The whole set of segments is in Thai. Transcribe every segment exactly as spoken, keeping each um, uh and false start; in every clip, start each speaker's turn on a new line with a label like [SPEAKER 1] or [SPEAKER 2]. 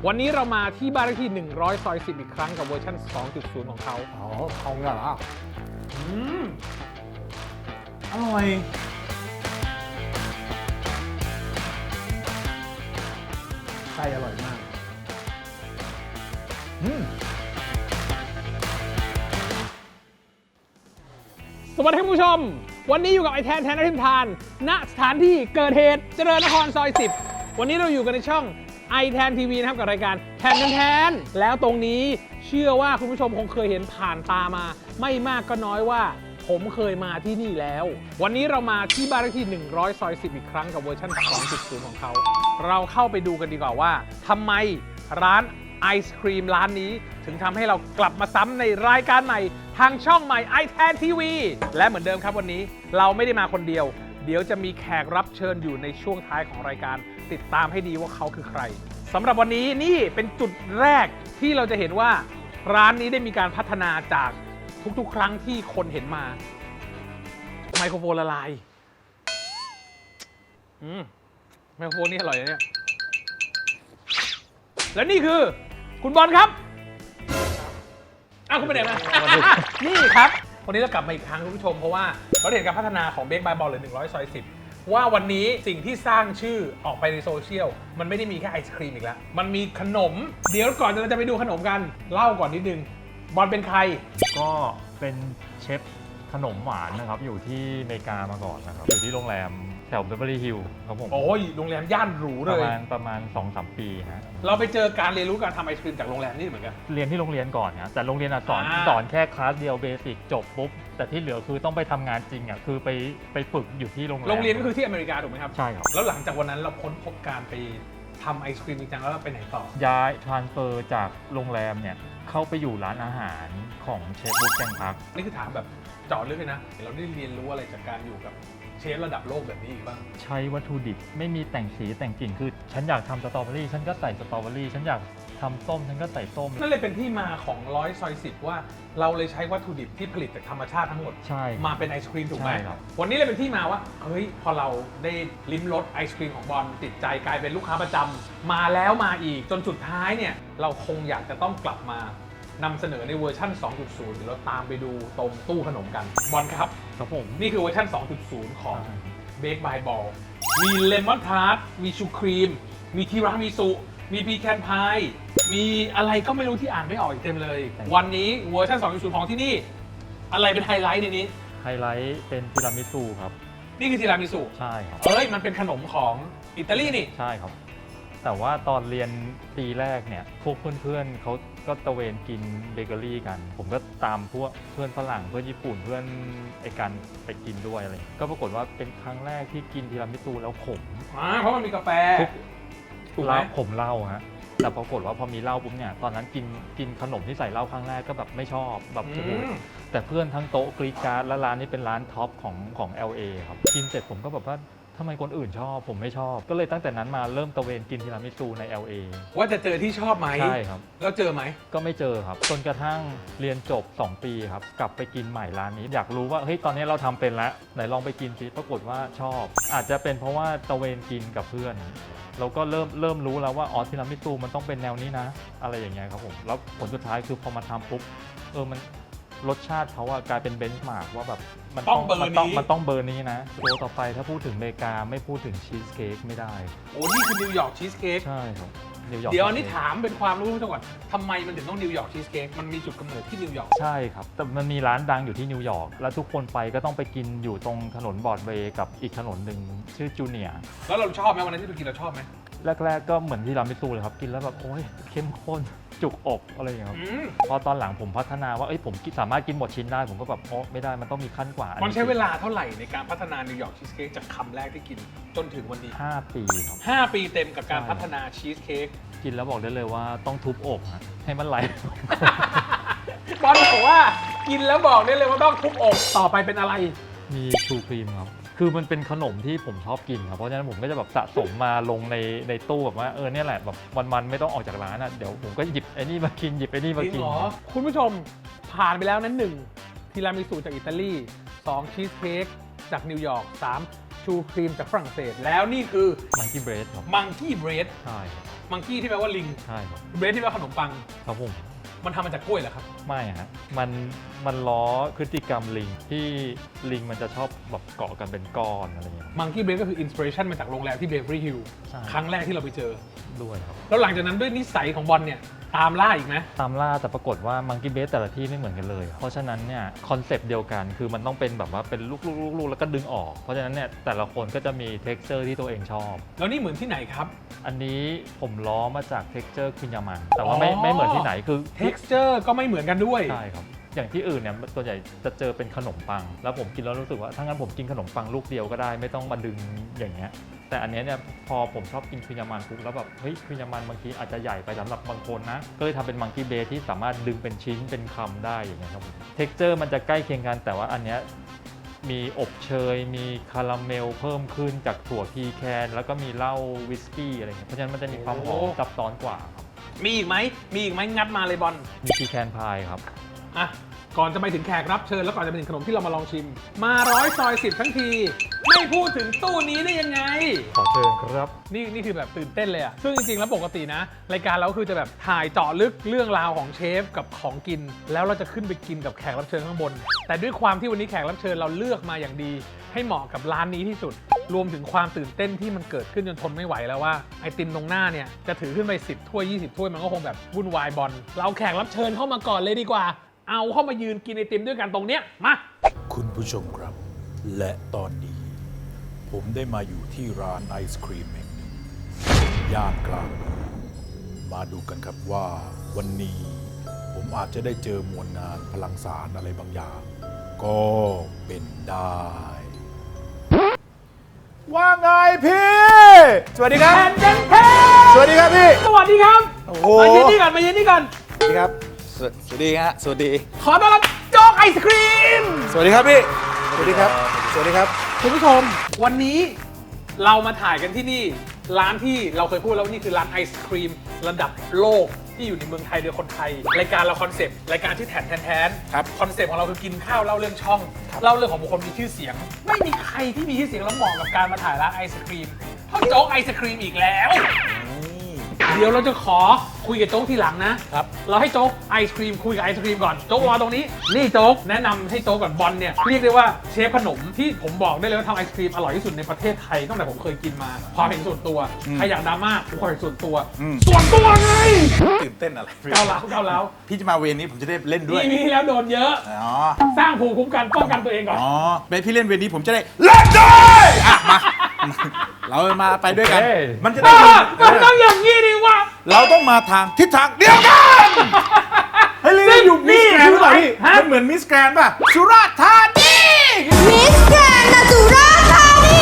[SPEAKER 1] วันนี้เรามาที่บ้านเลขที่หนึ่งร้อยซอยสิบอีกครั้งกับเวอร์ชัน สองจุดศูนย์ ของเขา
[SPEAKER 2] อ๋อเขาเนี่ยเหรอ
[SPEAKER 1] อืม
[SPEAKER 2] อร่อยไส้อร่อยมากอืม
[SPEAKER 1] สวัสดีครับผู้ชมวันนี้อยู่กับไอแทนแทนนักทิมทานณสถานที่เกิดเหตุเจริญนครซอยสิบวันนี้เราอยู่กันในช่องไอแทนทีวีนะครับกับรายการแทนแทนแล้วตรงนี้เชื่อว่าคุณผู้ชมคงเคยเห็นผ่านตามาไม่มากก็น้อยว่าผมเคยมาที่นี่แล้ววันนี้เรามาที่บ้านเลขที่หนึ่งร้อยซอยสิบอีกครั้งกับเวอร์ชัน สองจุดศูนย์ ของเขาเราเข้าไปดูกันดีกว่าว่าทำไมร้านไอศครีมร้านนี้ถึงทำให้เรากลับมาซ้ำในรายการใหม่ทางช่องใหม่ ไอ ที เอ็น ที วี และเหมือนเดิมครับวันนี้เราไม่ได้มาคนเดียวเดี๋ยวจะมีแขกรับเชิญอยู่ในช่วงท้ายของรายการติดตามให้ดีว่าเขาคือใครสำหรับวันนี้นี่เป็นจุดแรกที่เราจะเห็นว่าร้านนี้ได้มีการพัฒนาจากทุกๆครั้งที่คนเห็นมาไมโครโฟนละลายอืมไมโครโฟนนี่อร่อยนะเนี่ยและนี่คือคุณบอลครับอ้าวคุณไปไหนมา นี่ครับวันนี้เรากลับมาอีกครั้งคุณผู้ชมเพราะว่าเราเห็นการพัฒนาของเบคบายบอลหรือหนึ่งร้อยซอยสิบว่าวันนี้สิ่งที่สร้างชื่อออกไปในโซเชียลมันไม่ได้มีแค่ไอศครีมอีกแล้วมันมีขนมเดี๋ยวก่อนเราจะไปดูขนมกันเล่าก่อนนิดนึงบอลเป็นใคร
[SPEAKER 3] ก็เป็นเชฟขนมหวานนะครับอยู่ที่อเมริกามาก่อนนะครับอยู่ที่โรงแรมแถวเบเวอร์ลี่ฮิลล์ครับผม
[SPEAKER 1] โอ้ยโรงแรมย่านหรูเลย
[SPEAKER 3] ประมาณประมาณ สองถึงสาม ปีฮะ
[SPEAKER 1] เราไปเจอการเรียนรู้การทำไอศครีมจากโรงแรมนี่เหมือนกัน
[SPEAKER 3] เรียนที่โรงเรียนก่อนนะแต่โรงเรียนสอนสอนแค่คลาสเดียวเบสิกจบปุ๊บแต่ที่เหลือคือต้องไปทำงานจริงอ่ะคือไปไปฝึกอยู่ที่โรงแรม
[SPEAKER 1] โรงเรียนก็คือที่อเมริกาถูกไหมครับ
[SPEAKER 3] ใช่ครับ
[SPEAKER 1] แล้วหลังจากวันนั้นเราค้นพบการไปทำไอศครีมจริงจังแล้วเราไปไหนต่อ
[SPEAKER 3] ย้ายทรานสเฟอร์จากโรงแรมเนี่ยเข้าไปอยู่ร้านอาหารของเชฟบุ๊กแกงพัก
[SPEAKER 1] นี่คือถามแบบเจาะลึกเลยนะเราได้เรียนรู้อะไรจากการอยู่กับเชฟระดับโลกแบบนี้อีกบ้าง
[SPEAKER 3] ใช้วัตถุดิบไม่มีแต่งสีแต่งกลิ่นคือฉันอยากทำสตรอเบอรี่ฉันก็ใส่สตรอเบอรี่ฉันอยากทำส้มฉันก็ใส่ส้ม
[SPEAKER 1] นั่นเลยเป็นที่มาของร้อยซอยสิบว่าเราเลยใช้วัตถุดิบที่ผลิตจากธรรมชาติทั้งหมด
[SPEAKER 3] ใช่
[SPEAKER 1] มาเป็นไอศครีมถูกไหม
[SPEAKER 3] ใช่ครับ
[SPEAKER 1] วันนี้เลยเป็นที่มาว่าเฮ้ยพอเราได้ลิ้มรสไอศครีมของบอลติดใจกลายเป็นลูกค้าประจำมาแล้วมาอีกจนสุดท้ายเนี่ยเราคงอยากจะต้องกลับมานำเสนอในเวอร์ชัน สองจุดศูนย์ เดี๋ยวเราตามไปดูตรงตู้ขนมกันบอลครับ
[SPEAKER 3] ครับผม
[SPEAKER 1] นี่คือเวอร์ชัน สองจุดศูนย์ ของเบคบายบอลมีเลมอนทาร์ตมีชูครีมมีทีรามิสุมีพีแคนพายมีอะไรก็ไม่รู้ที่อ่านไม่ออกอีกเต็มเลยวันนี้เวอร์ชัน สองจุดศูนย์ ของที่นี่อะไรเป็นไฮไลท์ในนี้
[SPEAKER 3] ไฮไลท์เป็นทีรามิสุครับ
[SPEAKER 1] นี่คือทีรามิสุ
[SPEAKER 3] ใช่ครับ
[SPEAKER 1] เอ้ยมันเป็นขนมของอิตาลีนี่
[SPEAKER 3] ใช่ครับแต่ว่าตอนเรียนปีแรกเนี่ยพวกเพื่อนๆเขาก็ตะเวนกินเบเกอรี่กันผมก็ตามพวกเพื่อนฝรั่งเพื่อนญี่ปุ่นเพื่อนไอ้กันไปกินด้วยอะไรก็ปรากฏว่าเป็นครั้งแรกที่กินทีรามิสุแล้วขม
[SPEAKER 1] อ่าเพราะมันมีกาแฟ
[SPEAKER 3] ถูกไหมขมเหล้าฮะแต่ปรากฏว่าพอมีเหล้าปุ๊บเนี่ยตอนนั้นกินกินขนมที่ใส่เหล้าครั้งแรกก็แบบไม่ชอบแบบโอ้โหแต่เพื่อนทั้งโต๊ะกรี๊ดกราร์ดและร้านนี้เป็นร้านท็อปของของ แอล เอ ครับกินเสร็จผมก็แบบว่าทำไมคนอื่นชอบผมไม่ชอบก็เลยตั้งแต่นั้นมาเริ่มตะเวนกินทีรามิสุใน แอล เอ
[SPEAKER 1] ว่าจะเจอที่ชอบไหม
[SPEAKER 3] ใช่ครับ
[SPEAKER 1] แล้วเจอไหม
[SPEAKER 3] ก็ไม่เจอครับจนกระทั่งเรียนจบสองปีครับกลับไปกินใหม่ร้านนี้อยากรู้ว่าเฮ้ยตอนนี้เราทำเป็นแล้วไหนลองไปกินสิปรากฏว่าชอบอาจจะเป็นเพราะว่าตะเวนกินกับเพื่อนเราก็เริ่มเริ่มรู้แล้วว่าอ๋อทีรามิสุมันต้องเป็นแนวนี้นะอะไรอย่างเงี้ยครับผมแล้วผลสุดท้ายคือพอมาทำปุ๊บเออมันรสชาติเขาอะกลายเป็นเบนช์มาร์กว่าแบบ
[SPEAKER 1] มันต้องเบอร์นี้
[SPEAKER 3] มันต้องเบอร์นี้นะตัวต่อไปถ้าพูดถึงอเมริกาไม่พูดถึงชีสเค้กไม่ได้
[SPEAKER 1] โอ้นี่คือนิวยอร์กชีสเค้ก
[SPEAKER 3] ใช่ครับ
[SPEAKER 1] นิวยอร์กเดี๋ยวอันนี้ถามเป็นความรู้จังก่อนทำไมมันถึงต้องนิวยอร์กชีสเค้กมันมีจุดกำเนิดที่นิวยอร์ก
[SPEAKER 3] ใช่ครับแต่มันมีร้านดังอยู่ที่นิวยอร์กแล้วทุกคนไปก็ต้องไปกินอยู่ตรงถนนบรอดเวย์กับอีกถนนหนึ่งชื่อจูเนียร์
[SPEAKER 1] แล้วเราชอบไหมวันนั้นที่ไปกินเราชอบไหม
[SPEAKER 3] แรกๆก็เหมือนที่รามิสุเลยครับกินแล้วแบบโอ้ยเข้มข้นจุกอกอะไรอย่างเงี้ยครับพอตอนหลังผมพัฒนาว่าเอ้ยผมสามารถกินหมดชิ้นได้ผมก็แบบโอ้ไม่ได้มันต้องมีขั้นกว่า
[SPEAKER 1] มันใช้เวลาเท่าไหร่ในการพัฒนานิวยอร์กชีสเค้กจากคำแรกที่กินจนถึงวันนี้
[SPEAKER 3] ห้าปีครับ
[SPEAKER 1] ห้าปีเต็มกับการพัฒนาชีสเค้ก
[SPEAKER 3] กินแล้วบอกได้เลยว่าต้องทุบอกให้มันไหล
[SPEAKER 1] บอลบอกว่ากินแล้วบอกได้เลยว่าต้องทุบอกต่อไปเป็นอะไร
[SPEAKER 3] มีชูครีมครับคือมันเป็นขนมที่ผมชอบกินครับเพราะฉะนั้นผมก็จะแบบสะสมมาลงในในตู้แบบว่าเออเนี่ยแหละแบบวันๆไม่ต้องออกจากร้านอ่ะเดี๋ยวผมก็หยิบไอ้นี่มากินหยิบไอ้นี่มากิน
[SPEAKER 1] คุณผู้ชมผ่านไปแล้วนั้นหนึ่งทีรามิสุจากอิตาลีสองชีสเค้กจากนิวยอร์กสามชูครีมจากฝรั่งเศสแล้วนี่คือ
[SPEAKER 3] มังกี้เบรดครับ
[SPEAKER 1] มังกี้เบรด
[SPEAKER 3] ใช่
[SPEAKER 1] มังกี้ที่แปลว่าลิง
[SPEAKER 3] ใช่ครับ
[SPEAKER 1] เบรดที่แปลว่าขนมปัง
[SPEAKER 3] ครับผม
[SPEAKER 1] มันทำมาจากกล้วยเหรอครับ
[SPEAKER 3] ไม่ฮะมันมันล้อพฤติกรรมลิงที่ลิงมันจะชอบแบบเกาะกันเป็นก้อนอะไรอย่างเงี้ย
[SPEAKER 1] มังกี้เบรดก็คืออินสปิเรชันมาจากโรงแรมที่เบเวอรี่ฮิลล์
[SPEAKER 3] ใช่
[SPEAKER 1] ครั้งแรกที่เราไปเจอ
[SPEAKER 3] ด้วยครับ
[SPEAKER 1] แล้วหลังจากนั้นด้วยนิสัยของบอลเนี่ยตามล่าอีกไหม
[SPEAKER 3] ตามล่าแต่ปรากฏว่ามังกี้เบสแต่ละที่ไม่เหมือนกันเลย เพราะฉะนั้นเนี่ยคอนเซปต์เดียวกันคือมันต้องเป็นแบบว่าเป็นลูกๆๆๆแล้วก็ดึงออก เพราะฉะนั้นเนี่ยแต่ละคนก็จะมีเท็กซ์เจอร์ที่ตัวเองชอบ
[SPEAKER 1] แล้วนี่เหมือนที่ไหนครับ
[SPEAKER 3] อันนี้ผมล้อมาจากเท็กซ์เจอร์คินยามันแต่ว่าไม่
[SPEAKER 1] อ๋อ
[SPEAKER 3] ไม่เหมือนที่ไหนคือ
[SPEAKER 1] texture ก็ไม่เหมือนกันด้วย
[SPEAKER 3] ใช่ครับ อย่างที่อื่นเนี่ยส่วนใหญ่จะเจอเป็นขนมปัง แล้วผมกินแล้วรู้สึกว่าถ้างั้นผมกินขนมปังลูกเดียวก็ได้ไม่ต้องมาดึงอย่างเงี้ยแต่อันเนี้ยเนี่ยพอผมชอบกินคินยามันปุ๊บแล้วแบบเฮ้ยคินยามันบางทีอาจจะใหญ่ไปสำหรับบางคนนะก็เลยทำเป็นมังกี้เบสที่สามารถดึงเป็นชิ้นเป็นคำได้อย่างเงี้ยครับผมเท็กเจอร์มันจะใกล้เคียงกันแต่ว่าอันเนี้ยมีอบเชยมีคาราเมลเพิ่มขึ้นจากถั่วพีแคนแล้วก็มีเหล้าวิสกี้อะไรเงี้ยเพราะฉะนั้นมันจะมีความหอม
[SPEAKER 1] โอ้
[SPEAKER 3] ซับซ้อนกว่าครับ
[SPEAKER 1] มีอีกไหมมีอีกไหมงัดมาเลยบอล
[SPEAKER 3] มีพีแคนพายครับ
[SPEAKER 1] อ่ะก่อนจะไปถึงแขกรับเชิญแล้วก่อนจะไปถึงขนมที่เรามาลองชิม มาร้อยซอยสิบทั้งที ไม่พูดถึงตู้นี้ได้ยังไง
[SPEAKER 3] ขอเชิญครับ
[SPEAKER 1] นี่นี่คือแบบตื่นเต้นเลยอะซึ่งจริงๆ แล้วปกตินะ รายการเราคือจะแบบถ่ายเจาะลึกเรื่องราวของเชฟกับของกิน แล้วเราจะขึ้นไปกินกับแขกรับเชิญข้างบน แต่ด้วยความที่วันนี้แขกรับเชิญเราเลือกมาอย่างดี ให้เหมาะกับร้านนี้ที่สุด รวมถึงความตื่นเต้นที่มันเกิดขึ้นจนทนไม่ไหวแล้วว่าไอติมตรงหน้าเนี่ยจะถือขึ้นไปสิบถ้วยยี่สิบถ้วยมันก็คงแบบวุ่นวายบอลเราแขกรับเชิญเข้ามาก่อนเลยดีกว่า เอาเข้ามายืนกินไอติมด้วยกันตรงเนี้ยมา
[SPEAKER 4] คุณผู้ชมครับ และตอนนี้ ผมได้มาอยู่ที่ร้านไอศครีมแห่งหนึ่งย่านกลางเมืองมาดูกันครับว่าวันนี้ผมอาจจะได้เจอมวลงานพลังสารอะไรบางอย่าง ก็เป็นได้ ว่าไงพี่ สวัสดีครับ
[SPEAKER 1] แทนเจนเท
[SPEAKER 4] สวัสดีครับพี่
[SPEAKER 1] สวัสดีครับ
[SPEAKER 4] โอ้โห
[SPEAKER 1] มายืนนี่ก่อนมายืนนี่ก่อน
[SPEAKER 4] สวัสดีครับ สวสวัสดีฮะ สวัสดี
[SPEAKER 1] ขอต้อนรับโจ๊กไอศครีม
[SPEAKER 4] สวัสดีครับพี่ สวัสดีครับ สวัสดีครับ
[SPEAKER 1] คุณผู้ชมวันนี้เรามาถ่ายกันที่นี่ ร้านที่เราเคยพูดแล้วนี่คือร้านไอศครีมระดับโลกที่อยู่ในเมืองไทยโดยคนไทย รายการเราคอนเซปต์รายการที่แทนแทนแทน
[SPEAKER 4] ครับ
[SPEAKER 1] คอนเซปต์ของเราคือกินข้าวเล่าเรื่องช่อง เล่าเรื่องของบุคคลมีชื่อเสียง ไม่มีใครที่มีชื่อเสียงแล้วเหมาะกับการมาถ่ายร้านไอศครีมเท่าโจ๊กไอศครีมอีกแล้ว เดี๋ยวเราจะขอคุยกับโจ๊กทีหลังนะ
[SPEAKER 4] ครับ
[SPEAKER 1] เราให้โจ๊กไอศครีมคุยกับไอศครีมก่อน โจ๊กรอตรงนี้ นี่โจ๊กแนะนำให้โจ๊กก่อนบอลเนี่ยเรียกได้ว่าเชฟขนมที่ผมบอกได้เลยว่าทำไอศครีมอร่อยที่สุดในประเทศไทยตั้งแต่ผมเคยกินมาความเห็นส่วนตัวใครอยากดราม่าความเห็นส่วนตัว
[SPEAKER 4] อืม
[SPEAKER 1] ส่วนตัวไง
[SPEAKER 4] ตื่นเต้นอะไร
[SPEAKER 1] เกาเหลาเกาเหลา
[SPEAKER 4] พี่จะมาเวรนี้ผมจะได้เล่นด้วย
[SPEAKER 1] นี่มีที่แล้วโดนเยอะ
[SPEAKER 4] อ๋อ
[SPEAKER 1] สร้างภูมิคุ้มกันป้องกันตัวเองก่อน
[SPEAKER 4] อ๋อเป็นพี่เล่นเวรนี้ผมจะได้เล่นด้วยอ่ะมา เรามาไปด้วยกัน
[SPEAKER 3] โอเค
[SPEAKER 4] มันจะได้
[SPEAKER 1] อ่ะ
[SPEAKER 4] เอ
[SPEAKER 1] มัน
[SPEAKER 4] อ
[SPEAKER 1] ต้องอย่างนี้ดิวะ
[SPEAKER 4] เราต้องมาทางทิศทางเดียวกันเฮ้ยเล่นอยู่มิสแกรนด์หรือเปล่าพี่
[SPEAKER 1] ฮะ
[SPEAKER 4] มันเหมือนมิสแกรนด์ป่ะสุราษฎร์ธานี
[SPEAKER 5] มิสแกรนด์นาตูราธานี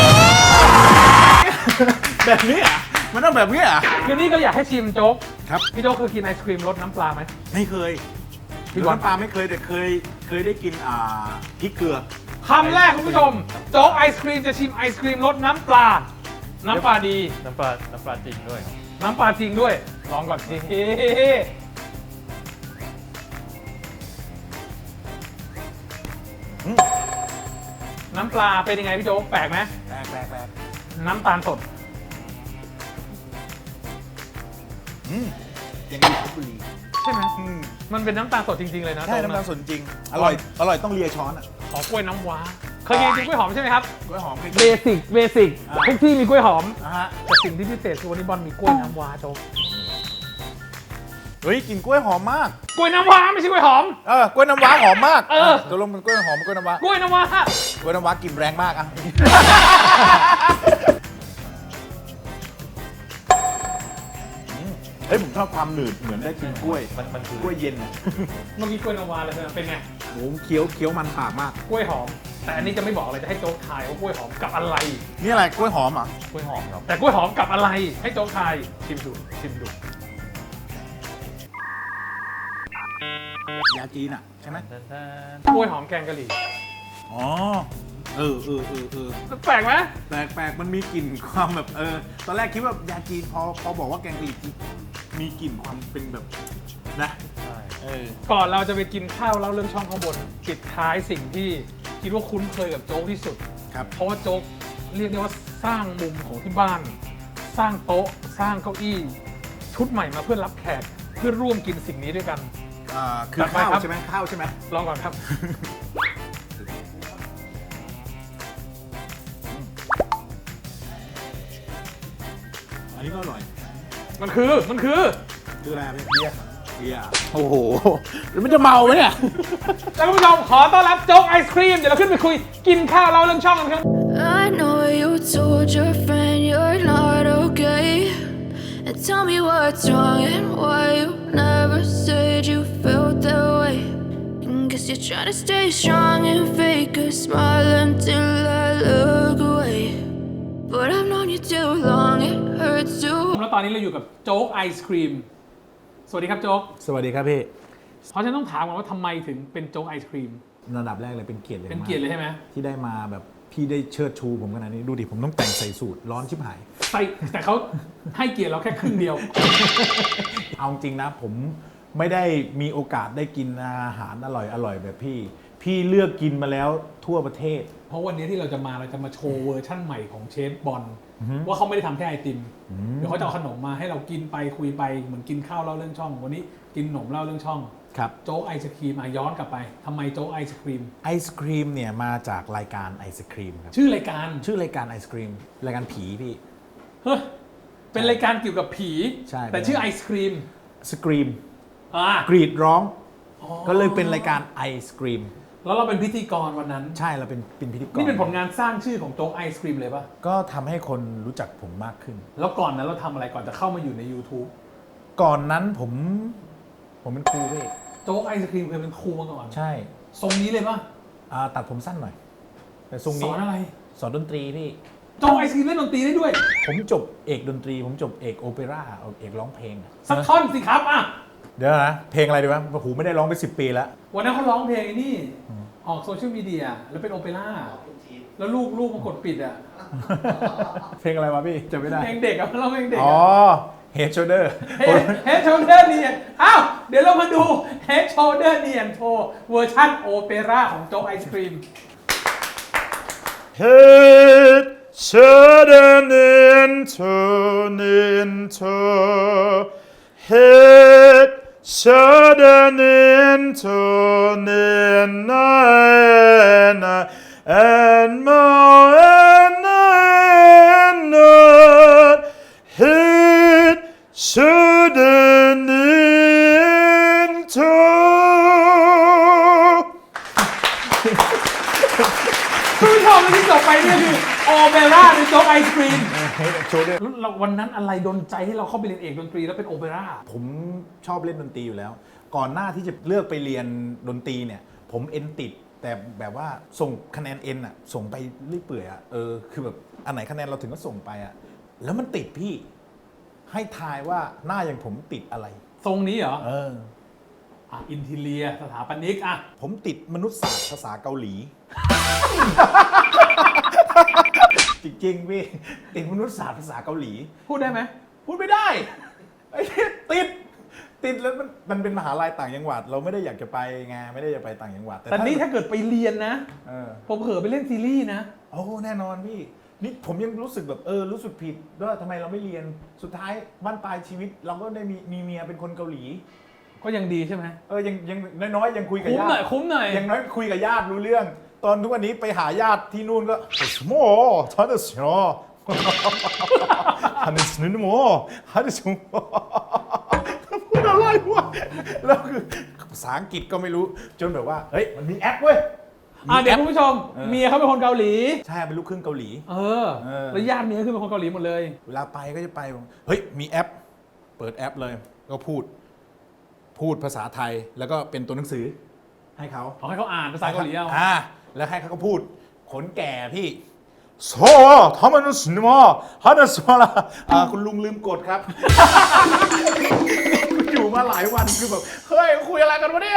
[SPEAKER 4] แบบนี้อ่ะมันต้องแบบนี้อ่ะ
[SPEAKER 1] คือนี่ก็อยากให้ชิมโจ๊ก
[SPEAKER 4] ครับ
[SPEAKER 1] พี่โจ๊กเคยกินไอศครีมรสน้ำปลาไหม
[SPEAKER 4] ไม่เคย
[SPEAKER 1] พี่
[SPEAKER 4] พี่
[SPEAKER 1] บอล
[SPEAKER 4] น้ำปลาไม่เคยแต่เคยเคยได้กินอ่าพริกเกลือ
[SPEAKER 1] คำแรกคุณผู้ชม โจ๊กไอศครีมจะชิมไอศครีมรสน้ำปลา น้ำปลาดี
[SPEAKER 3] น้ำปลาน้ำปลาจริงด้วยครับ
[SPEAKER 1] น้ำปลาจริงด้วย ลองก่อนสิน้ำปลาเป็นยังไงพี่โจ๊กแปลกไหม
[SPEAKER 4] แปลกแปลกแปลก
[SPEAKER 1] น้ำตาลสด
[SPEAKER 4] อืมยังอยู่ลพบุรี
[SPEAKER 1] ใช่ไหม
[SPEAKER 4] อืม
[SPEAKER 1] มันเป็นน้ำตาลสดจริงๆเลยนะ
[SPEAKER 4] ใช่
[SPEAKER 1] โจ๊ก
[SPEAKER 4] น้ำตาล
[SPEAKER 1] นะ
[SPEAKER 4] สดจริง อร่อย อร่อยต้องเลียช้อนอ่ะ
[SPEAKER 1] ขอกล้วยน้ำว้า เคยกินกล้วยหอมใช่ไหมครับ
[SPEAKER 4] กล้วยหอมเคย
[SPEAKER 1] เบ
[SPEAKER 4] กิน
[SPEAKER 1] สิก เบสิก
[SPEAKER 4] อ่า
[SPEAKER 1] ทุกที่มีกล้วยหอม
[SPEAKER 4] นะฮะ
[SPEAKER 1] แต่สิ่งที่พิเศษคือวันนี้บอลมีกล้วยน้ำว้าโจ๊ก
[SPEAKER 4] เฮ้ยกลิ่นกล้วยหอมมาก
[SPEAKER 1] กล้วยน้ำว้าไม่ใช่กล้วยหอม
[SPEAKER 4] เออกล้วยน้ำว้าหอมมาก
[SPEAKER 1] เออ
[SPEAKER 4] ตกลงเป็นกล้วยหอมเป็นกล้วยน้ำว้าก
[SPEAKER 1] ล้วยน้ำว้า
[SPEAKER 4] กล้วยน้ำว้ากลิ่นแรงมากอ่ะ เฮ้ยผมชอบความหนืดเหมือนได้กินกล้วย
[SPEAKER 3] มันมันคือก
[SPEAKER 4] ล้วยเย็นอ่ะ
[SPEAKER 1] เมื่อกี้กล้วยน้ำว้าเลยนะเป็นไง
[SPEAKER 4] โหเคี้ยวเคี้ยวมันปากมาก
[SPEAKER 1] กล้วยหอม แต่อันนี้จะไม่บอกอะไรจะให้โจ๊กทายว่ากล้วยหอมกับอะไร
[SPEAKER 4] นี่อะไรกล้วยหอมอ่ะ
[SPEAKER 3] กล้วยหอมครับ
[SPEAKER 1] แต่กล้วยหอมกับอะไรให้โจ๊กทายชิมดูชิมดู
[SPEAKER 4] ยาจีนอ่ะใช่ไหม
[SPEAKER 3] แทน
[SPEAKER 1] กล้วยหอมแกงกะหรี่
[SPEAKER 4] อ๋อ เออเออเออเออ
[SPEAKER 1] แปลกไหม
[SPEAKER 4] แปลกแปลกมันมีกลิ่นความแบบเออ ตอนแรกคิดว่ายาจีนพอพอบอกว่าแกงกะหรี่จีนมีกลิ่นความเป็นแบบนะ
[SPEAKER 3] ใช่
[SPEAKER 4] เออ
[SPEAKER 1] ก่อนเราจะไปกินข้าวเล่าเรื่องช่องข้างบนปิดท้ายสิ่งที่คิดว่าคุ้นเคยกับโจ๊กที่สุด
[SPEAKER 4] ครับ
[SPEAKER 1] เพราะว่าโจ๊กเรียกได้ว่าสร้างมุมของที่บ้าน สร้างโต๊ะ สร้างเก้าอี้ชุดใหม่มาเพื่อรับแขกเพื่อร่วมกินสิ่งนี้ด้วยกัน
[SPEAKER 2] อ่าคือ
[SPEAKER 1] จัดไป
[SPEAKER 2] ข้าว
[SPEAKER 1] ครับ
[SPEAKER 2] ใช่ไหมข้าวใช่ไหม
[SPEAKER 1] ลองก่อนครับ
[SPEAKER 2] อันนี้ก็อร่อย
[SPEAKER 1] มันคือมันคือ
[SPEAKER 2] คืออะไรพี่เบียร์เบียร์โอ้โหแล้วมันจะเมาไหมเนี่ย
[SPEAKER 1] แล้วคุณผู้ชมขอต้อนรับโจ๊กไอศครีมเดี๋ยวเราขึ้นไปคุยกินข้าวเล่าเรื่องช่องกันครับ
[SPEAKER 5] I know you told your friend you're not okay. And tell me what's wrong and why you never said you felt that way. And guess you're trying to stay strong and fake a smile until I look away. But I've known you too long, it hurts to.
[SPEAKER 1] แล้วตอนนี้เราอยู่กับโจ๊กไอศครีมสวัสดีครับโจ๊ก
[SPEAKER 2] สวัสดีครับพี่
[SPEAKER 1] เพราะฉะนันต้องถามก่อนว่าทำไมถึงเป็นโจ๊กไอศครีม
[SPEAKER 2] ระดับแรกเลยเป็นเกียรติเลย
[SPEAKER 1] เป็นเกียรติเลยใช่ไหม
[SPEAKER 2] ที่ได้มาแบบพี่ได้เชิดชูผมขนาดนี้ดูดิผมต้องแต่งใส่สูทร้อนชิบหาย
[SPEAKER 1] ใส่แต่เขาให้เกียรติเราแค่ครึ่งเดียว
[SPEAKER 2] เอาจริงนะผมไม่ได้มีโอกาสได้กินอาหารอร่อยอร่อยแบบพี่ พี่เลือกกินมาแล้วทั่วประเทศ
[SPEAKER 1] เพราะวันนี้ที่เราจะมาเราจะมาโชว์เวอร์ชั่นใหม่ของเชฟบอลว่าเขาไม่ได้ทำแค่ไอติมเดี๋ยวเขาจะเอาขนมมาให้เรากินไปคุยไปเหมือนกินข้าวเล่าเรื่องช่อง วันนี้กินขนมเล่าเรื่องช่อง
[SPEAKER 2] ครับ
[SPEAKER 1] โจ๊กไอศครีมอ่ะย้อนกลับไปทำไมโจ๊กไอศครีม
[SPEAKER 2] ไอศครีมเนี่ยมาจากรายการไอศครีมครับ
[SPEAKER 1] ชื่อรายการ
[SPEAKER 2] ชื่อรายการไอศครีมรายการผีพี่
[SPEAKER 1] เฮ้ยเป็นรายการเกี่ยวกับผี
[SPEAKER 2] ใช่
[SPEAKER 1] แต่ชื่อไอศครีม
[SPEAKER 2] สครีม
[SPEAKER 1] อ่ะ
[SPEAKER 2] กรีดร้อง
[SPEAKER 1] อ๋อ
[SPEAKER 2] ก็เลยเป็นรายการไอศครีม
[SPEAKER 1] แล้วเราเป็นพิธีกรวันนั้น
[SPEAKER 2] ใช่เราเป็นเป็นพิธีกร
[SPEAKER 1] นี่เป็นผลงานสร้างชื่อของโจ๊กไอศครีมเลยปะ
[SPEAKER 2] ก็ทำให้คนรู้จักผมมากขึ้น
[SPEAKER 1] แล้วก่อนนั้นเราทำอะไรก่อนจะเข้ามาอยู่ใน YouTube
[SPEAKER 2] ก่อนนั้นผมผมเป็นครูพี่
[SPEAKER 1] โจ๊กไอศครีมเคยเป็นครูมาก่อน
[SPEAKER 2] ใช่
[SPEAKER 1] ทรงนี้เลยปะ
[SPEAKER 2] อ่าตัดผมสั้นหน่อย แต่ทรง
[SPEAKER 1] ส
[SPEAKER 2] นี้
[SPEAKER 1] อนอะไร
[SPEAKER 2] สอนดนตรีพี่
[SPEAKER 1] โจ๊กไอศครีมเล่นดนตรีได้ด้วย
[SPEAKER 2] ผมจบเอกดนตรี ผมจบเอกโอเปร่าเอกร้องเพลงอะ
[SPEAKER 1] สักท่อนสิครับอ่ะ
[SPEAKER 2] เดี๋ยวนะเพลงอะไรดีวะโอ้โหไม่ได้ร้องไปสิบปีแล้ว
[SPEAKER 1] วันนั้นเขาร้องเพลงไอ้นี่ ออกโซเชียลมีเดียแล้วเป็นโอเปร่าแล้วลูกลูกมากดปิดอ่ะ
[SPEAKER 2] เพลงอะไรวะพี่จำไม่ได้
[SPEAKER 1] เพลงเด็กอะเราเพลงเด็ก
[SPEAKER 2] อ๋อ
[SPEAKER 1] อะ
[SPEAKER 2] Head Shoulder
[SPEAKER 1] เฮดโชเดอร์เนียนอ้าวเดี๋ยวเรามาดูเฮดโชเดอร์เนียนโชว์เวอร์ชั่นโอเปร่าของโจ๊กไอศครีม
[SPEAKER 3] Head, shouldn't into, into. Head, shouldn't into, nina, and more, and and Head, shouldn't into.
[SPEAKER 1] คุณผู้ชมที่จบไปเนี่ยคือโอเปร่าในโจ๊กไอศครีม
[SPEAKER 2] Head Shoulder
[SPEAKER 1] เราวันนั้นอะไรดนใจให้เราเข้าไปเรียนเอกดนตรีแล้วเป็นโอเปร่า
[SPEAKER 2] ผมชอบเล่นดนตรีอยู่แล้ว ก่อนหน้าที่จะเลือกไปเรียนดนตรีเนี่ย ผมเอ็นติด แต่แบบว่าส่งคะแนนเอ็นอะส่งไปเรื่อยเปื่อยอะเออคือแบบอันไหนคะแนนเราถึงก็ส่งไปอะแล้วมันติดพี่ ให้ทายว่าหน้าอย่างผมติดอะไร
[SPEAKER 1] ทรงนี้เหรอ
[SPEAKER 2] เออ
[SPEAKER 1] อ่ะอินทีเลียสถาปนิกอ่ะ
[SPEAKER 2] ผมติดมนุษยศาสตร์ภาษาเกาหลี จริงๆพี่ติดมนุษยศาสตร์ภาษาเกาหลี
[SPEAKER 1] พูดได้ไหม
[SPEAKER 2] พูดไม่ได้ไอ้เหี้ยติด ติดแล้วมันมันเป็นมหาลัยต่างจังหวัด เราไม่ได้อยากจะไปไงไม่ได้อยากไปต่างจังหวัด
[SPEAKER 1] แต่นี่ถ้าเกิดไปเรียนนะ
[SPEAKER 2] เออ
[SPEAKER 1] ผมเผลอไปเล่นซีรีส์นะ
[SPEAKER 2] โอ้แน่นอนพี่นี่ผมยังรู้สึกแบบเออรู้สึกผิดว่าทำไมเราไม่เรียนสุดท้ายบ้านปลายชีวิต เราก็ได้มีมีเมียเป็นคนเกาหลี
[SPEAKER 1] ก็ยังดีใช่ไหม
[SPEAKER 2] เออยังยังน้อยๆยังคุยกับ
[SPEAKER 1] คุ้ม
[SPEAKER 2] ญา
[SPEAKER 1] หน่อย
[SPEAKER 2] ติ
[SPEAKER 1] คุ้มหน่อย
[SPEAKER 2] ยังน้อยคุยกับญาติรู้เรื่อง ตอนทุกวันนี้ไปหาญาติที่นู่นก็โม่ท่านเสียท่านสนุนโม่ท่านสนุนพูดอะไรวะแล้วคือภาษาอังกฤษก็ไม่รู้จนแบบว่าเฮ้ยมันมีแอปเว้ย
[SPEAKER 1] อ่ะเดี๋ยวคุณผู้ชม
[SPEAKER 2] เออ
[SPEAKER 1] เมียเขาเป็นคนเกาหลี
[SPEAKER 2] ใช่เป็นลูกครึ่งเกาหลี
[SPEAKER 1] เออ
[SPEAKER 2] เออ
[SPEAKER 1] แล้วญาติเมียคือเป็นคนเกาหลีหมดเลย
[SPEAKER 2] เวลาไปก็จะไปบอกเฮ้ยมีแอป เปิดแอปเลย ก็พูด พูดภาษาไทยแล้วก็เป็นตัวหนังสือ ให้เขา
[SPEAKER 1] ขอให้เขาอ่านภาษาเกาหลีเอา
[SPEAKER 2] อ่าแล้วให้เขาก็พูด ขนแก่พี่โซ่ทำไมนุ่นมาฮันสมาละอ่าคุณลุงลืมกดครับ อยู่มาหลายวันคือแบบเฮ้ยคุยอะไรกันวะเนี่ย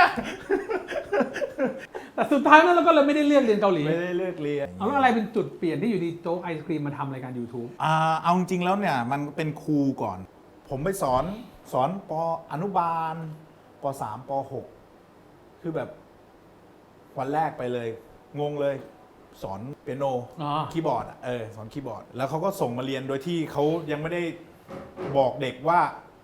[SPEAKER 1] แต่สุดท้ายนั้นเราก็เลยไม่ได้เลือกเรียนเกาหลี
[SPEAKER 2] ไม่ได้เลิกเรียน
[SPEAKER 1] เอาแล้วอะไรเป็นจุดเปลี่ยนที่อยู่ดีโจ๊กไอศครีมมาทำรายการ YouTube
[SPEAKER 2] อ่าเอาจริงๆแล้วเนี่ยมันเป็นครูก่อน ผมไปสอนสอนปอนุบาลปสามปหกคือแบบวันแรกไปเลย งงเลย สอนเปียโน
[SPEAKER 1] อ๋อ
[SPEAKER 2] คีย์บอร์ดอะเออสอนคีย์บอร์ด แล้วเขาก็ส่งมาเรียนโดยที่เขายังไม่ได้บอกเด็กว่า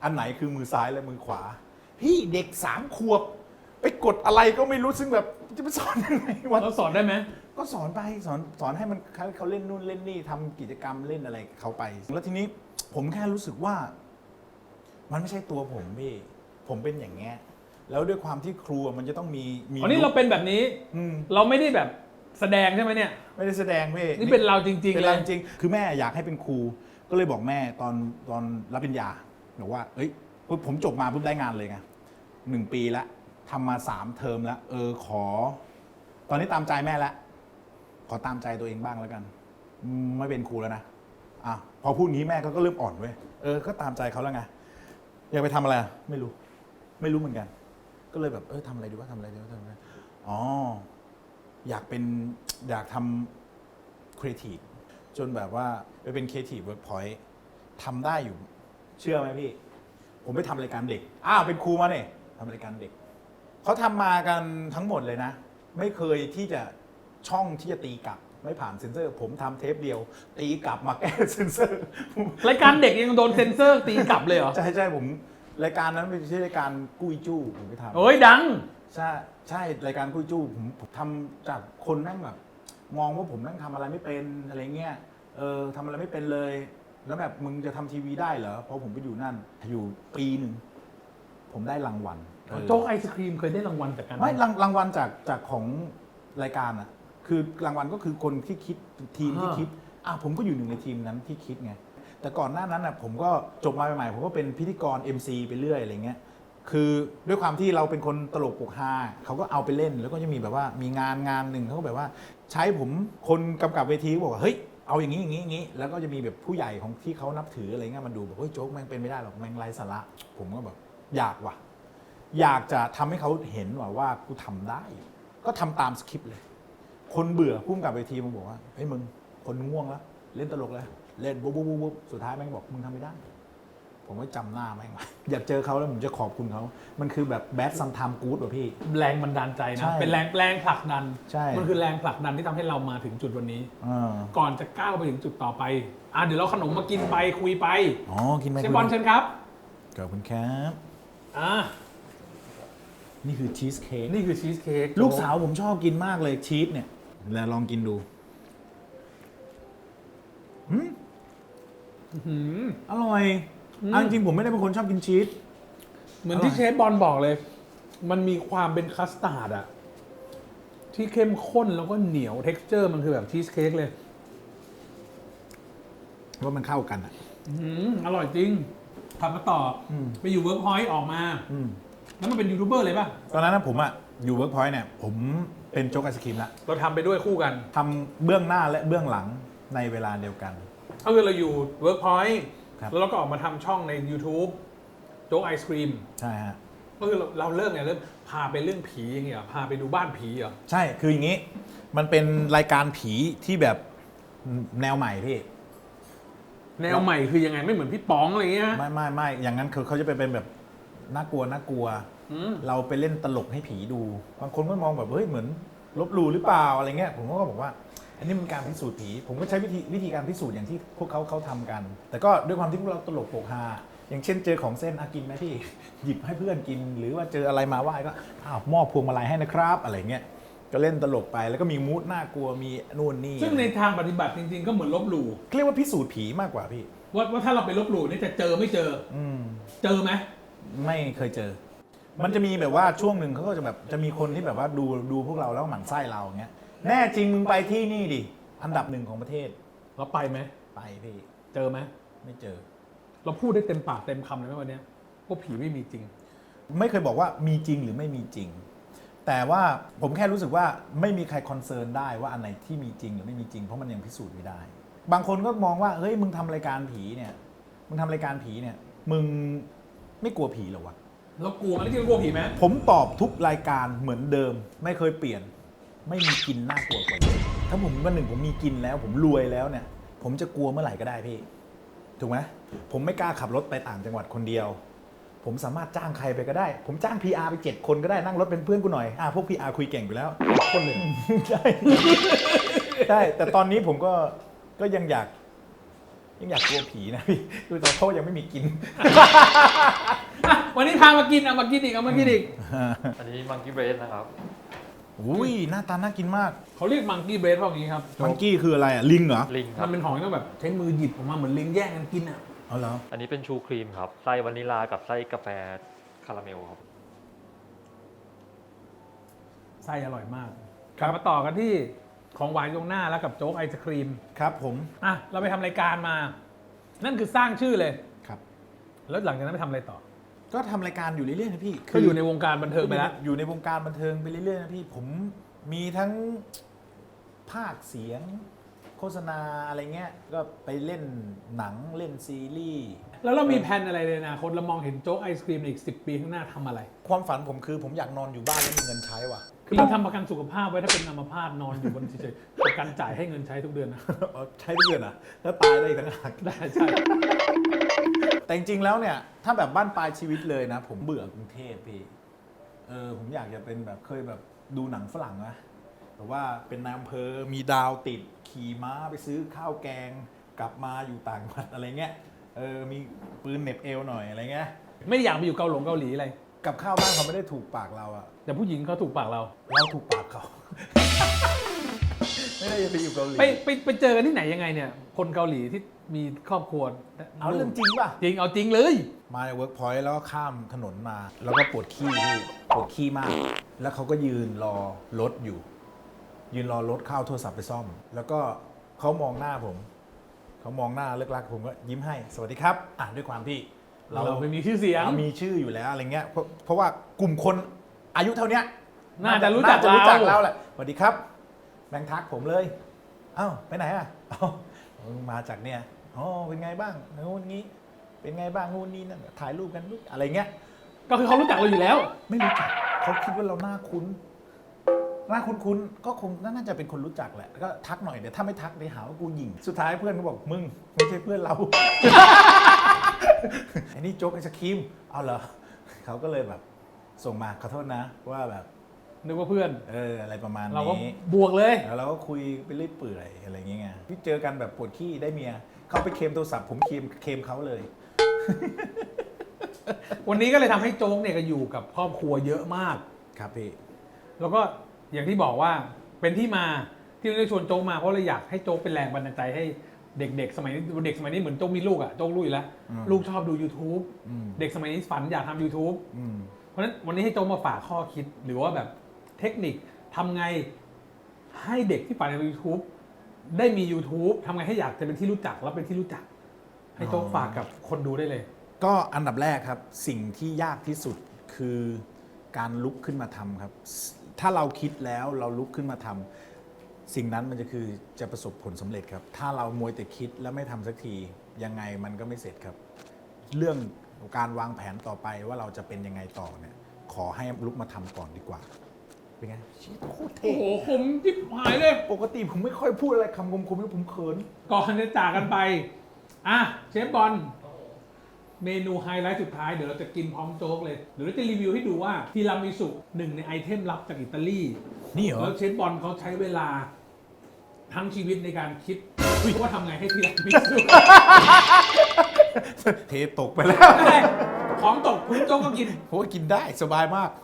[SPEAKER 2] อันไหนคือมือซ้ายและมือขวา พี่เด็กสามขวบไปกดอะไรก็ไม่รู้ซึ่งแบบจะไปสอนยังไงวะ
[SPEAKER 1] เราสอนได้ไหม
[SPEAKER 2] ก็สอนไปสอนสอนให้มันเขาเขาเล่นนู่นเล่นนี่ทำกิจกรรมเล่นอะไรเขาไป แล้วทีนี้ผมแค่รู้สึกว่า มันไม่ใช่ตัวผมพี่ผมเป็นอย่างเงี้ยแล้วด้วยความที่ครูมันจะต้องมีมี
[SPEAKER 1] อ๋อนี่เราเป็นแบบนี้
[SPEAKER 2] อืม
[SPEAKER 1] เราไม่ได้แบบแสดงใช่ไหมเนี่ย
[SPEAKER 2] ไม่ได้แสดงพี่
[SPEAKER 1] นี่เป็นเราจริงๆ
[SPEAKER 2] เป็น
[SPEAKER 1] เล
[SPEAKER 2] เรา
[SPEAKER 1] ย
[SPEAKER 2] จริงๆคือแม่อยากให้เป็นครู ก็เลยบอกแม่ตอนตอนรับปริญญาบอกว่าเอ้ยปุ๊บผมจบมาปุ๊บได้งานเลยไงหนึ่งปีละทำมาสามเทอมแล้วเออขอ ตอนนี้ตามใจแม่แล้วขอตามใจตัวเองบ้างแล้วกันอืมไม่เป็นครูแล้วนะอ่ะพอพูดงี้แม่ก็ก็เริ่มอ่อนเว้ยเออก็ตามใจเขาแล้วไงอยากไปทำอะไรอ่ะไม่รู้ ไม่รู้เหมือนกัน ก็เลยแบบเออทำอะไรดีว่าทำอะไรดีว่าทำอะไรอ๋ออยากเป็นอยากทำครีเอทีฟจนแบบว่าไปเป็นครีเอทีฟเวิร์กพอยต์ทำได้อยู่ เชื่อไหมพี่ ผมไปทำรายการเด็กอ้าวเป็นครูมาเนี่ยทำรายการเด็กเขาทำมากันทั้งหมดเลยนะ ไม่เคยที่จะช่องที่จะตีกลับ ไม่ผ่านเซ็นเซอร์ ผมทำเทปเดียว ตีกลับมาแก้เซ็นเซอร์
[SPEAKER 1] รายการเด็กยังโดนเซ็นเซอร์ตีกลับเลยเหรอ
[SPEAKER 2] ใช่ใช่ผมรายการนั้นเป็นชื่อรายการกุ้ยจู้ผมไปทำ
[SPEAKER 1] โอ้ยดัง
[SPEAKER 2] ใช่ใช่รายการกุ้ยจู้ผมผมทำจากคนนั่งแบบ มองว่าผมนั่งทำอะไรไม่เป็นอะไรเงี้ยเออทำอะไรไม่เป็นเลย แล้วแบบมึงจะทำทีวีได้เหรอเพราะผมไปอยู่นั่นอยู่ปีหนึ่งผมได้รางวัลเออ
[SPEAKER 1] โจ๊กไอศครีมเคยได้รางวัลจากการ
[SPEAKER 2] ไม่รางรางวัลจากจากของรายการอ่ะคือรางวัลก็คือคนที่คิดทีมที่คิดอ่ะผมก็อยู่หนึ่งในทีมนั้นที่คิดไงแต่ก่อนหน้านั้นอ่ะผมก็จบมาใหม่ๆผมก็เป็นพิธีกร เอ็ม ซี ไปเรื่อยอะไรเงี้ยคือด้วยความที่เราเป็นคนตลกปกฮาเขาก็เอาไปเล่นแล้วก็จะมีแบบว่ามีงานงานหนึ่งเขาก็แบบว่า ใช้ผมคนกำกับเวทีก็บอกว่าเฮ้ยเอาอย่างนี้อย่างนี้อย่างนี้แล้วก็จะมีแบบผู้ใหญ่ของที่เขานับถืออะไรเงี้ยมาดูแบบเฮ้ยโจ๊กแม่งเป็นไม่ได้หรอกแม่งไร้สาระผมก็แบบอยากว่ะอยากจะทำให้เขาเห็นว่าว่ากูทำได้ ก็ทำตามสคริปต์เลย คนเบื่อพุ่มกับเวทีมันบอกว่าเฮ้ยมึงคนง่วงแล้วเล่นตลกเลยเล่นบุ๊บบุ๊บบุ๊บสุดท้ายแม่งบอกมึงทำไม่ได้ ผมก็จำหน้าแม่งไว้อยากเจอเขาแล้วผมจะขอบคุณเขามันคือแบบแบดซัมไทม์กู๊ดว่ะพี่
[SPEAKER 1] แรงบันดาลใจ
[SPEAKER 2] ใช่
[SPEAKER 1] นะ เป็นแรงแรงผลักดัน
[SPEAKER 2] ใช่
[SPEAKER 1] มันคือแรงผลักดันที่ทำให้เรามาถึงจุดวันนี้
[SPEAKER 2] อ่า
[SPEAKER 1] ก่อนจะก้าวไปถึงจุดต่อไป อ่ะเดี๋ยวเราขนมมากินไปคุยไป
[SPEAKER 2] อ๋อกินไหม
[SPEAKER 1] เชฟบอลเชิญครับ
[SPEAKER 2] ขอบคุณครับ
[SPEAKER 1] อ่ะ
[SPEAKER 2] นี่คือชีสเค้ก
[SPEAKER 1] นี่คือชีสเค้ก
[SPEAKER 2] ลูกสาวผมชอบกินมากเลยชีสเนี่ยแล้วลองกินดูหืม
[SPEAKER 1] อื้อหือ
[SPEAKER 2] อร่อย
[SPEAKER 1] อืม
[SPEAKER 2] อันจริงผมไม่ได้เป็นคนชอบกินชีส
[SPEAKER 1] เหมือน
[SPEAKER 2] อร่อย
[SPEAKER 1] ที่เชฟบอลบอกเลย มันมีความเป็นคัสตาร์ดอะที่เข้มข้นแล้วก็เหนียวเท็กซ์เจอร์มันคือแบบชีสเค้กเลย
[SPEAKER 2] ว่ามันเข้ากันอ่ะ
[SPEAKER 1] อื้อหืออร่อยจริงทำมาต่ออ
[SPEAKER 2] ม
[SPEAKER 1] ไปอยู่เวิร์กพอยต์ออกมา
[SPEAKER 2] อืม
[SPEAKER 1] แล้วมันเป็นยูทูบเบอร์เลยป่ะ
[SPEAKER 2] ตอนนั้นนะผมอ่ะอยู่เวิร์กพอยต์เนี่ยผมเป็นโจ๊กไอศครีมละ
[SPEAKER 1] เราทำไปด้วยคู่กัน
[SPEAKER 2] ทำเบื้องหน้าและเบื้องหลังในเวลาเดียวกัน
[SPEAKER 1] ก็คือเราอยู่เวิร์กพอยต์
[SPEAKER 2] ครับ
[SPEAKER 1] แล้วเราก็ออกมาทำช่องใน YouTube โจ๊กไอศครีม
[SPEAKER 2] ใช่ฮะ
[SPEAKER 1] ก็คือเราเราเริ่มไงเริ่มพาไปเรื่องผีอย่างเงี้ยเหรอพาไปดูบ้านผีเหรอ
[SPEAKER 2] ใช่คืออย่างนี้ มันเป็นรายการผีที่แบบแนวใหม่พี่
[SPEAKER 1] แนวใหม่คือยังไงไม่เหมือนพี่ป๋องอะไรเงี้ย
[SPEAKER 2] ไม่ไม่ไม่อย่างนั้นคือเขาจะไปเป็นแบบน่ากลัวน่ากลัว
[SPEAKER 1] อืม
[SPEAKER 2] เราไปเล่นตลกให้ผีดู บางคนก็มองแบบเฮ้ยเหมือนลบหลู่หรือเปล่าอะไรเงี้ย ผมก็บอกว่า อันนี้มันการพิสูจน์ผี ผมก็ใช้วิธีวิธีการพิสูจน์อย่างที่พวกเขาเขาทำกัน แต่ก็ด้วยความที่พวกเราตลกโปกฮาอย่างเช่นเจอของเส้นอากินไหมพี่ หยิบให้เพื่อนกิน หรือว่าเจออะไรมาไหว้ก็อ้าวมอบพวงมาลัยให้นะครับอะไรเงี้ย ก็เล่นตลกไปแล้วก็มีมูดน่ากลัวมีนู่นนี่
[SPEAKER 1] ซึ่งในทางปฏิบัติจริงๆ ก็เหมือนลบหลู่
[SPEAKER 2] เรียกว่าพิสูจน์ผีมากกว่าพี่
[SPEAKER 1] ว่าว่าถ้าเราไปลบหลู่นี่จะเจอไม่เจอ
[SPEAKER 2] อืม
[SPEAKER 1] เจอไหม
[SPEAKER 2] ไม่เคยเจอ มันจะมีแบบว่าช่วงหนึ่งเขาก็จะแบบจะมีคนที่แบบว่าดูดูพวกเราแล้วหมั่นไส้เราอย่างเงี้ย แน่จริงมึงไปที่นี่ดิ อันดับหนึ่งของประเทศ
[SPEAKER 1] เราไปไหม
[SPEAKER 2] ไปพี่
[SPEAKER 1] เจอไหม
[SPEAKER 2] ไม่เจอ
[SPEAKER 1] เราพูดได้เต็มปากเต็มคำเลยไหมวันเนี้ยพวกผีไม่มีจริง
[SPEAKER 2] ไม่เคยบอกว่ามีจริงหรือไม่มีจริง แต่ว่าผมแค่รู้สึกว่าไม่มีใครคอนเซิร์นได้ว่าอันไหนที่มีจริงหรือไม่มีจริงเพราะมันยังพิสูจน์ไม่ได้ บางคนก็มองว่าเฮ้ยมึงทำรายการผีเนี่ย มึงทำรายการผีเนี่ย มึงไม่กลัวผีเหรอวะ
[SPEAKER 1] เรากลัวไหมที่เรากลัวผีไหม
[SPEAKER 2] ผมตอบทุกรายการเหมือนเดิม ไม่เคยเปลี่ยน ไม่มีกินน่ากลัวกว่าเดิมถ้าผมวันหนึ่งผมมีกินแล้ว ผมรวยแล้วเนี่ย ผมจะกลัวเมื่อไหร่ก็ได้พี่ถูกไหมผมไม่กล้าขับรถไปต่างจังหวัดคนเดียว ผมสามารถจ้างใครไปก็ได้ ผมจ้าง พี อาร์ ไปเจ็ดคนก็ได้นั่งรถเป็นเพื่อนกูหน่อยอ่ะพวก พี อาร์ คุยเก่งอยู่แล้ว
[SPEAKER 1] คนเลย
[SPEAKER 2] ใช่ ใช่แต่ตอนนี้ผมก็ก็ยังอยากยังอยากกลัวผีนะพี่ดูแต่โทษยังไม่มีกิน
[SPEAKER 1] อ่ะวันนี้พามากินเอามากินอีกเอามากินอีก
[SPEAKER 3] อันนี้มังกี้เบรสนะครับ
[SPEAKER 2] อุ้ยหน้าตาน่ากินมาก
[SPEAKER 1] เขาเรียกมังกี้เบรดพวกนี้ครับ
[SPEAKER 2] มังกี้คืออะไรอ่ะลิงเหรอ
[SPEAKER 3] ลิงค
[SPEAKER 1] มั
[SPEAKER 3] รับ
[SPEAKER 1] นเป็นของที่ต้องแบบใช้มือหยิบออกมาเหมือนลิงแย่งกันกินอ่ะ
[SPEAKER 2] เอาเหรอ
[SPEAKER 3] อันนี้เป็นชูครีมครับ ไส้วานิลากับไส้กาแฟคาราเมลครับ
[SPEAKER 1] ไส้อร่อยมากกลับมาต่อกันที่ของหวานตรงหน้าแล้วกับโจ๊กไอศครีม
[SPEAKER 2] ครับผม
[SPEAKER 1] อ่ะเราไปทำรายการมา นั่นคือสร้างชื่อเลย
[SPEAKER 2] ครับ
[SPEAKER 1] แล้วหลังจากนั้นไปทำอะไรต่อ
[SPEAKER 2] ก็ทำรายการอยู่เรื่อยๆนะพี่
[SPEAKER 1] ก็อยู่ในวงการบันเทิงไปแล้ว
[SPEAKER 2] อยู่ในวงการบันเทิงไปเรื่อยๆนะพี่ผมมีทั้งภาคเสียง โฆษณาอะไรเงี้ยก็ไปเล่นหนังเล่นซีรีส์
[SPEAKER 1] แล้วเรามีแผนอะไรในอนาคตเรามองเห็นโจ๊กไอศครีมในอีกสิบปีข้างหน้าทำอะไร
[SPEAKER 2] ความฝันผมคือผมอยากนอนอยู่บ้านแล้วมีเงินใช้ว่ะ
[SPEAKER 1] คือเราทำประกันสุขภาพไว้ถ้าเป็นอัมพาตนอนอยู่บนเฉยๆประกันจ่ายให้เงินใช้ทุกเดือนนะ
[SPEAKER 2] ใช้ทุกเดือนอ่ะแล้วตายได้อีกต่างหาก
[SPEAKER 1] ได้ใช่
[SPEAKER 2] แต่จริงๆแล้วเนี่ยถ้าแบบบ้านปลายชีวิตเลยนะ ผมเบื่อกรุงเทพพี่เออผมอยากจะเป็นแบบเคยแบบดูหนังฝรั่งนะแต่ว่าเป็นนายอำเภอมีดาวติดขี่ม้าไปซื้อข้าวแกงกลับมาอยู่ต่างจังหวัดอะไรเงี้ยเออมีปืนเหน็บเอวหน่อยอะไรเงี้ย
[SPEAKER 1] ไม่ได้อยากไปอยู่เกาหลงเกาหลีอะไร
[SPEAKER 2] กับข้าวบ้านเขาไม่ได้ถูกปากเราอะ
[SPEAKER 1] แต่ผู้หญิงเขาถูกปากเรา
[SPEAKER 2] เราถูกปากเขา ไม่ได้จะไปอยู่เกาหลี
[SPEAKER 1] ไปไปไปเจอกันที่ไหนยังไงเนี่ย คนเกาหลีที่มีครอบครัว
[SPEAKER 2] เอาเรื่องจริงป่ะ
[SPEAKER 1] จริงเอาจริงเลย
[SPEAKER 2] มาในเวิร์กพอยต์แล้วก็ข้ามถนนมา แล้วก็ปวดขี้พี่ปวดขี้มาก แล้วเขาก็ยืนรอรถอยู่ ยืนรอรถเข้าโทรศัพท์ไปซ่อม แล้วก็เขามองหน้าผม เขามองหน้าเลิกลักผมก็ยิ้มให้สวัสดีครับอ่ะด้วยความที่
[SPEAKER 1] เราไม่มีชื่อเสียง
[SPEAKER 2] เรามีชื่ออยู่แล้วอะไรเงี้ยเพราะเพราะว่ากลุ่มคนอายุเท่าเนี้ย
[SPEAKER 1] น่าจะรู้จัก
[SPEAKER 2] น่าจะรู้จัก
[SPEAKER 1] เรา
[SPEAKER 2] เราแหละสวัสดีครับแบงค์ทักผมเลยเอ้าไปไหนอ่ะเอ้ามาจากเนี่ยอ๋อเป็นไงบ้างงูนงี้ เป็นไงบ้างงูนนี่นั่นถ่ายรูปกันอะไรเงี้ย
[SPEAKER 1] ก็คือเขารู้จักเราอยู่แล้ว
[SPEAKER 2] ไม่รู้จักเขาคิดว่าเราหน้าคุ้นหน้าคุ้นๆก็คงน่าจะเป็นคนรู้จักแหละก็ทักหน่อยเดี๋ยวถ้าไม่ทักเดี๋ยวหาว่ากูหยิ่งสุดท้ายเพื่อนเขาบอกมึงไม่ใช่เพื่อนเรา ไอ้นี่โจ๊กไอศครีมเอาเหรอเขาก็เลยแบบส่งมาขอโทษนะว่าแบบ
[SPEAKER 1] นึกว่าเพื่อน
[SPEAKER 2] เอออะไรประมาณ
[SPEAKER 1] เราก็
[SPEAKER 2] นี้
[SPEAKER 1] บวกเลย
[SPEAKER 2] แล้วเราก็คุยไปเรื่อยเปื่อยอะไรอย่างเงี้ยที่เจอกันแบบปวดขี้ได้เมียเขาไปเคลมโทรศัพท์ผมเคลมเคลมเขาเลย
[SPEAKER 1] วันนี้ก็เลยทำให้โจ๊กเนี่ยก็อยู่กับครอบครัวเยอะมาก
[SPEAKER 2] ครับพี่
[SPEAKER 1] แล้วก็อย่างที่บอกว่าเป็นที่มาที่เราได้ชวนโจ๊กมาเพราะเราอยากให้โจ๊กเป็นแรงบันดาลใจให้เด็กๆ สมัยนี้เด็กสมัยนี้เหมือนโจ๊กมีลูกอ่ะโจ๊กรู้อยู่แล้ว
[SPEAKER 2] อืม
[SPEAKER 1] ลูกชอบดู YouTube
[SPEAKER 2] อืม
[SPEAKER 1] เด็กสมัยนี้ฝันอยากทำ YouTube
[SPEAKER 2] อืม
[SPEAKER 1] เพราะฉะนั้นวันนี้ให้โจ๊กมาฝากข้อคิด หรือว่าแบบเทคนิคทำไงให้เด็กที่ฝันอยากทำ YouTube ได้มี YouTube ทำไงให้อยากจะเป็นที่รู้จักแล้วเป็นที่รู้จัก ให้โจ๊กฝากกับคนดูได้เลย
[SPEAKER 2] ก็อันดับแรกครับสิ่งที่ยากที่สุดคือการลุกขึ้นมาทำครับ ถ้าเราคิดแล้วเราลุกขึ้นมาทำสิ่งนั้นมันจะคือจะประสบผลสำเร็จครับ ถ้าเรามัวแต่คิดแล้วไม่ทำสักทียังไงมันก็ไม่เสร็จครับ เรื่องการวางแผนต่อไปว่าเราจะเป็นยังไงต่อเนี่ยขอให้ลุกมาทำก่อนดีกว่าเป็นไงชีวิตโคตรเท่
[SPEAKER 1] โอ้โหคมจิ๊บหายเลย
[SPEAKER 2] ปกติผมไม่ค่อยพูดอะไรคำคมๆแล้วผมเขิน
[SPEAKER 1] ก่อนจะจากกันไป อ่ะเชฟบอล เมนูไฮไลท์สุดท้ายเดี๋ยวเราจะกินพร้อมโจ๊กเลย เดี๋ยวเราจะรีวิวให้ดูว่าทีรามิสุหนึ่งในไอเทมลับจากอิตาลี
[SPEAKER 2] นี่เหรอ
[SPEAKER 1] แล้วเชฟบอลเขาใช้เวลาทั้งชีวิตในการคิดว่าทำไงให้ทีรามิสุ
[SPEAKER 2] เทตกไปแล้ว
[SPEAKER 1] ของตกคุณโจ๊กก็กิน
[SPEAKER 2] เพราะว่ากินได้สบายมาก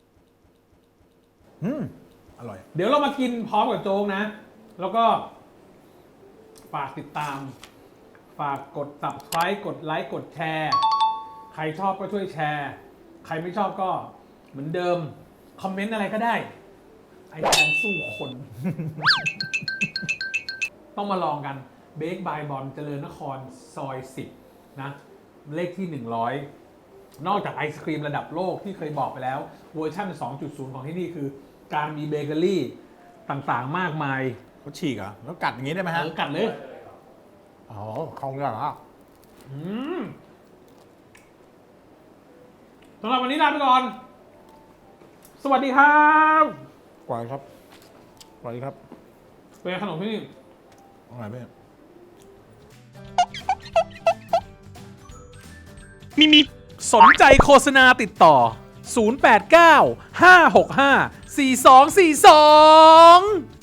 [SPEAKER 2] อืมอร่อย
[SPEAKER 1] เดี๋ยวเรามากินพร้อมกับโจ๊กนะ แล้วก็ฝากติดตาม ฝากกด subscribe กดไลค์กดแชร์ ใครชอบก็ช่วยแชร์ ใครไม่ชอบก็เหมือนเดิม คอมเมนต์อะไรก็ได้ ไอแทนสู้คน ต้องมาลองกันเบคบายบอลเจริญนครซอยสิบนะ เลขที่หนึ่งร้อยนอกจากไอศครีมระดับโลกที่เคยบอกไปแล้วเวอร์ชัน สองจุดศูนย์ ของที่นี่คือ การมีเบเกอรี่ต่างๆมากมาย
[SPEAKER 2] เขาฉีกเหรอแล้วกัดอย่างนี้ได้ไหมฮะ
[SPEAKER 1] เออกัดเลย
[SPEAKER 2] อ๋อของเหรอ
[SPEAKER 1] อืมสำหรับวันนี้ลาไปก่อน สวัสดีครับ
[SPEAKER 2] กวายครับกวายครับ
[SPEAKER 1] เป็นไงขนมที่นี่
[SPEAKER 2] อร่อยไหม
[SPEAKER 1] มีมีสนใจโฆษณาติดต่อ ศูนย์ แปด เก้า ห้า หก ห้า สี่ สอง สี่ สอง